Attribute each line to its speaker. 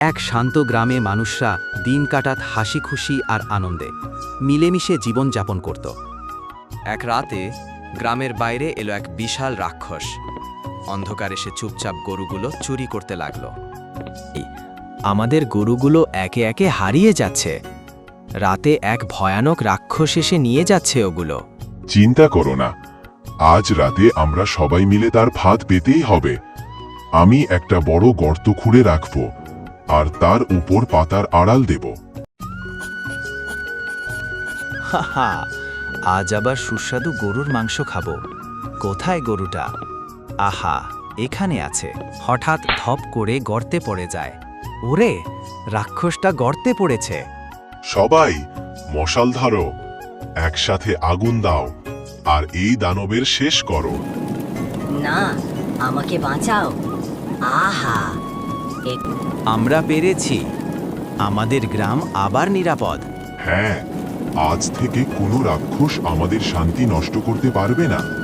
Speaker 1: এক শান্ত গ্রামে মানুষরা দিন কাটাত হাসি খুশি আর আনন্দে মিলেমিশে জীবনযাপন করত।
Speaker 2: এক রাতে গ্রামের বাইরে এলো এক বিশাল রাক্ষস। অন্ধকারে সে চুপচাপ গরুগুলো চুরি করতে লাগলো।
Speaker 3: আমাদের গরুগুলো একে একে হারিয়ে যাচ্ছে। রাতে এক ভয়ানক রাক্ষস এসে নিয়ে যাচ্ছে ওগুলো।
Speaker 4: চিন্তা করো না, আজ রাতে আমরা সবাই মিলে তার ফাঁদ পেতেই হবে। আমি একটা বড় গর্ত খুঁড়ে রাখব আর তার উপর পাতার আড়াল দেব।
Speaker 3: হাহা, আজ আবার সুস্বাদু গরুর মাংস খাবো। কোথায় গরুটা? আহা, এখানে আছে। হঠাৎ ধপ করে গর্তে পড়ে যায়। ওরে, রাক্ষসটা গর্তে পড়েছে।
Speaker 4: সবাই মশাল ধরো, একসাথে আগুন দাও আর এই দানবের শেষ করো।
Speaker 5: না, আমাকে বাঁচাও। আহা,
Speaker 3: আমরা পেরেছি। আমাদের গ্রাম আবার নিরাপদ।
Speaker 4: হ্যাঁ, আজ থেকে কোনো রাক্ষস আমাদের শান্তি নষ্ট করতে পারবে না।